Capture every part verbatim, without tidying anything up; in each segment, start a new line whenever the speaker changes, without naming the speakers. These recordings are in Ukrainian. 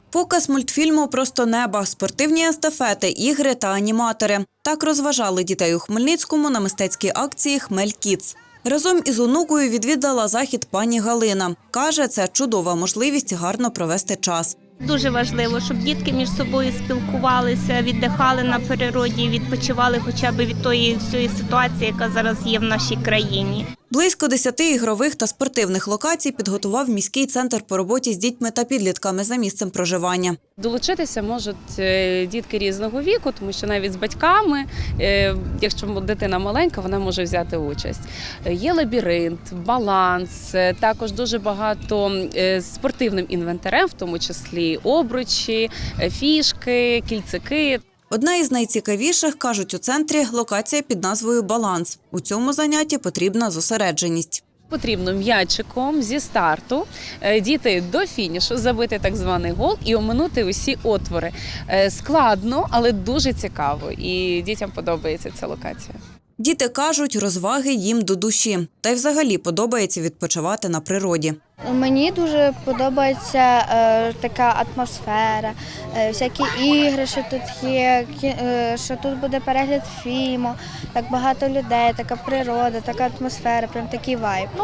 Показ мультфільму «Просто неба», спортивні естафети, ігри та аніматори. Так розважали дітей у Хмельницькому на мистецькій акції «Хмель Кідс». Разом із онукою відвідала захід пані Галина. Каже, це чудова можливість гарно провести час.
Дуже важливо, щоб дітки між собою спілкувалися, віддихали на природі, відпочивали хоча б від тої всієї ситуації, яка зараз є в нашій країні.
Близько десяти ігрових та спортивних локацій підготував міський центр по роботі з дітьми та підлітками за місцем проживання.
Долучитися можуть дітки різного віку, тому що навіть з батьками, якщо дитина маленька, вона може взяти участь. Є лабіринт, баланс, також дуже багато спортивним інвентарем, в тому числі обручі, фішки, кільцики.
Одна із найцікавіших, кажуть у центрі, локація під назвою «Баланс». У цьому занятті потрібна зосередженість.
Потрібно м'ячиком зі старту дійти до фінішу, забити так званий гол і оминути усі отвори. Складно, але дуже цікаво, і дітям подобається ця локація.
Діти кажуть, розваги їм до душі. Та й взагалі подобається відпочивати на природі.
Мені дуже подобається е, така атмосфера, е, всякі ігри, що тут є, е, що тут буде перегляд фільму, так багато людей, така природа, така атмосфера, прям такий вайб.
Ну,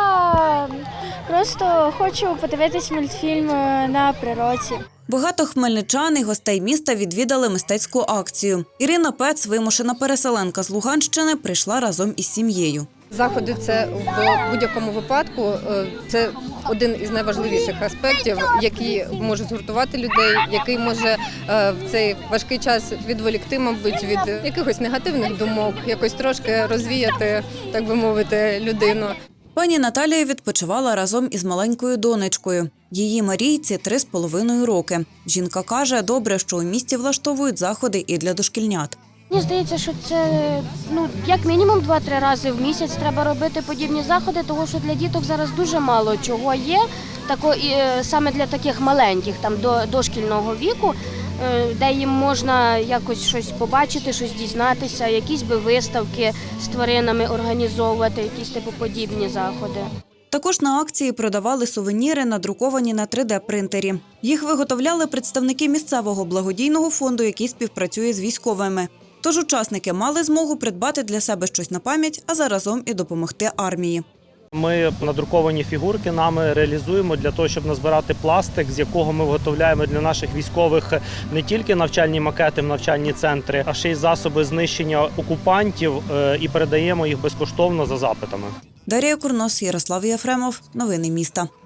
я просто хочу подивитись мультфільм на природі.
Багато хмельничан і гостей міста відвідали мистецьку акцію. Ірина Пец, вимушена переселенка з Луганщини, прийшла разом із сім'єю.
Заходи – це в будь-якому випадку це один із найважливіших аспектів, який може згуртувати людей, який може в цей важкий час відволікти, мабуть, від якихось негативних думок, якось трошки розвіяти, так би мовити, людину.
Пані Наталія відпочивала разом із маленькою донечкою. Її Марійці три з половиною роки. Жінка каже, добре, що у місті влаштовують заходи і для дошкільнят.
Мені здається, що це ну як мінімум два-три рази в місяць треба робити подібні заходи, тому що для діток зараз дуже мало чого є, тако, і, саме для таких маленьких, там до дошкільного віку, де їм можна якось щось побачити, щось дізнатися, якісь би виставки з тваринами організовувати, якісь типу подібні заходи.
Також на акції продавали сувеніри, надруковані на три де принтері. Їх виготовляли представники місцевого благодійного фонду, який співпрацює з військовими. Тож учасники мали змогу придбати для себе щось на пам'ять, а заразом і допомогти армії.
Ми надруковані фігурки нами реалізуємо для того, щоб назбирати пластик, з якого ми виготовляємо для наших військових не тільки навчальні макети в навчальні центри, а ще й засоби знищення окупантів і передаємо їх безкоштовно за запитами.
Дар'я Курнос, Ярослав Єфремов. Новини міста.